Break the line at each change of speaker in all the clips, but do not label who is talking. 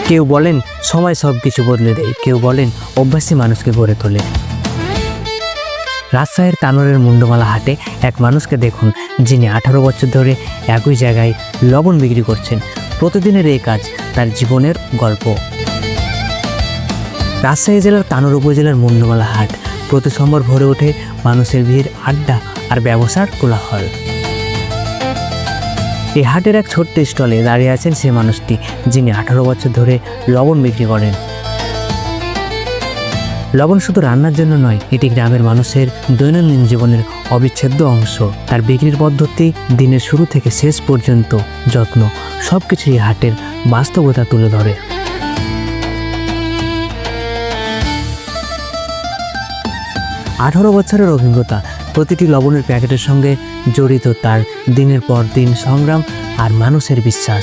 কেউ বলেন সময় সব কিছু বদলে দেয়, কেউ বলেন অভ্যাসী মানুষকে গড়ে তোলে। রাজশাহীর তানোরের মুন্ডমালা হাটে এক মানুষকে দেখুন, যিনি 18 বছর ধরে একই জায়গায় লবণ বিক্রি করছেন। প্রতিদিনের এই কাজ তার জীবনের গল্প। রাজশাহী জেলার তানোর উপজেলার মুন্ডমালা হাট প্রতি সোমবার ভরে ওঠে মানুষের ভিড়, আড্ডা আর ব্যবসার কোলাহল। এই হাটের এক ছোট্ট স্টলে দাঁড়িয়ে আছেন সে মানুষটি, যিনি 18 বছর ধরে লবণ বিক্রি করেন। লবণ শুধু রান্নার জন্য নয়, এটি গ্রামের মানুষের দৈনন্দিন জীবনের অবিচ্ছেদ্য অংশ। তার বিক্রির পদ্ধতি, দিনের শুরু থেকে শেষ পর্যন্ত যত্ন, সব কিছু এই হাটের বাস্তবতা তুলে ধরে। আঠারো বছরের অভিজ্ঞতা, প্রতিটি লবণের প্যাকেটের সঙ্গে জড়িত তার দিনের পর দিন সংগ্রাম আর মানুষের বিশ্বাস।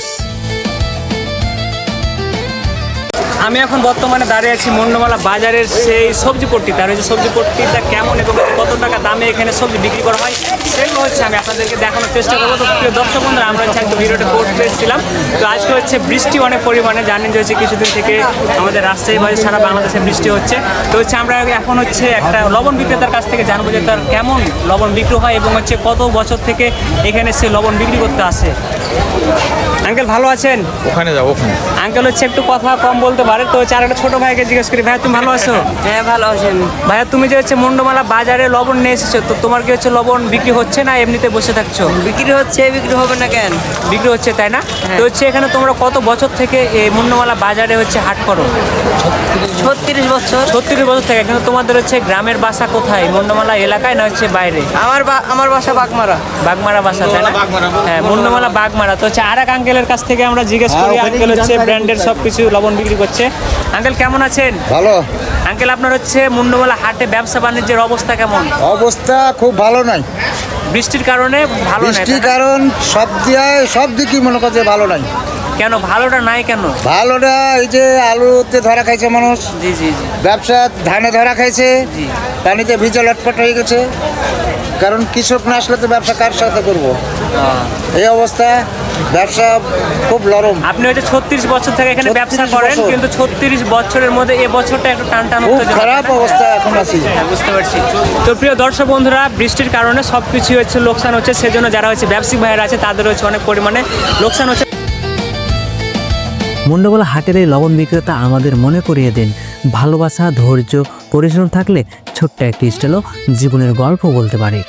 আমি এখন বর্তমানে দাঁড়িয়ে আছি মুন্ডমালা বাজারের সেই সবজি পট্টিতে। আর ওই যে সবজি পট্টিটা কেমন এবং কত টাকা দামে এখানে সবজি বিক্রি করা হয় সেগুলো হচ্ছে আমি আপনাদেরকে দেখানোর চেষ্টা করবো। তো প্রিয় দর্শক বন্ধুরা, আমরা হচ্ছে একটা ভিডিওটা করতে এসেছিলাম। তো আজকে হচ্ছে বৃষ্টি অনেক পরিমাণে, জানেন যে হচ্ছে কিছুদিন থেকে আমাদের রাজশাহী বাজার সারা বাংলাদেশে বৃষ্টি হচ্ছে। তো হচ্ছে আমরা এখন হচ্ছে একটা লবণ বিক্রেতার কাছ থেকে জানবো যে তার কেমন লবণ বিক্রি হয় এবং হচ্ছে কত বছর থেকে এখানে সে লবণ বিক্রি করতে আসে। আঙ্কেল ভালো আছেন?
ওখানে যাবো।
আঙ্কেল হচ্ছে একটু কথা কম বলতে পারে, তো হচ্ছে আর একটা ছোট ভাইকে জিজ্ঞেস করি। ভাইয়া তুমি ভালো আছো?
হ্যাঁ ভালো আছেন।
ভাইয়া তুমি যে হচ্ছে মুন্ডমালা বাজারে লবণ নিয়ে এসেছো, তো তোমার কি হচ্ছে লবণ বিক্রি হচ্ছে না এমনিতে বসে থাকছো?
বিক্রি হচ্ছে, বিক্রি হবে না কেন?
বিক্রি হচ্ছে, তাই না?
হ্যাঁ।
তো হচ্ছে এখানে তোমরা কত বছর থেকে এই মুন্ডমালা বাজারে হচ্ছে হাট করো?
36 বছর।
36 বছর থেকে। কিন্তু তোমাদের হচ্ছে গ্রামের বাসা কোথায়, মুন্ডমালা এলাকায় না হচ্ছে বাইরে?
আমার বাসা বাগমারা।
বাগমারা বাসা, তাই না? হ্যাঁ, মুন্ডমালা বাগমারা। তো হচ্ছে আর এক আঙ্কেলের কাছ থেকে আমরা জিজ্ঞেস করি। আঙ্কেল হচ্ছে ব্র্যান্ডের সব কিছু লবণ বিক্রি করছে। আঙ্কেল কেমন আছেন?
ভালো।
আঙ্কেল আপনার হচ্ছে মুন্ডমালা হাটে ব্যবসা বাণিজ্যের অবস্থা কেমন?
অবস্থা খুব ভালো নাই,
বৃষ্টির কারণে ভালো নাই,
বৃষ্টির
তাই না?
কারণ সব দিকই মনে করছে ভালো নাই।
কেন ভালোটা নাই কেন?
ভালোটা এই যে আলুতে ধরা খাইছে মানুষ,
জি জি জি
ব্যবসা ধানে ধরা খাইছে,
জি।
পানিতে ভিজে লটপট হয়ে গেছে। কারণ কৃষক না আসলে তো ব্যবসা কার সাথে করবো? এই অবস্থা, ব্যবসা খুব নরম।
আপনি হচ্ছে 36 বছর থেকে এখানে
36
ব্যবসা করেন,
বছর।
কিন্তু 36 বছরের মধ্যে এই বছরটা একটু টান টান
খুব
উত্তেজনা,
খারাপ
তাই না?
অবস্থা এখন আছি।
হ্যাঁ, বুঝতে পারছি। তো প্রিয় দর্শক বন্ধুরা, বৃষ্টির কারণে সব কিছু হচ্ছে লোকসান হচ্ছে, সেজন্য যারা হচ্ছে ব্যবসায়িক ভাইয়েরা আছে তাদের হচ্ছে অনেক পরিমাণে লোকসান হচ্ছে। মুন্ডমালা হাটের এই লবণ বিক্রেতা আমাদের মনে করিয়ে দেন, ভালোবাসা, ধৈর্য, পরিশ্রম থাকলে ছোট্ট একটি স্টলও জীবনের গল্প বলতে পারে।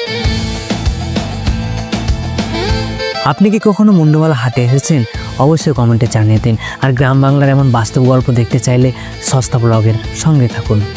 আপনি কি কখনো মুন্ডমালা হাটে এসেছেন? অবশ্যই কমেন্টে জানিয়ে দিন। আর গ্রাম বাংলার এমন বাস্তব গল্প দেখতে চাইলে সস্তা ব্লগের সঙ্গে থাকুন।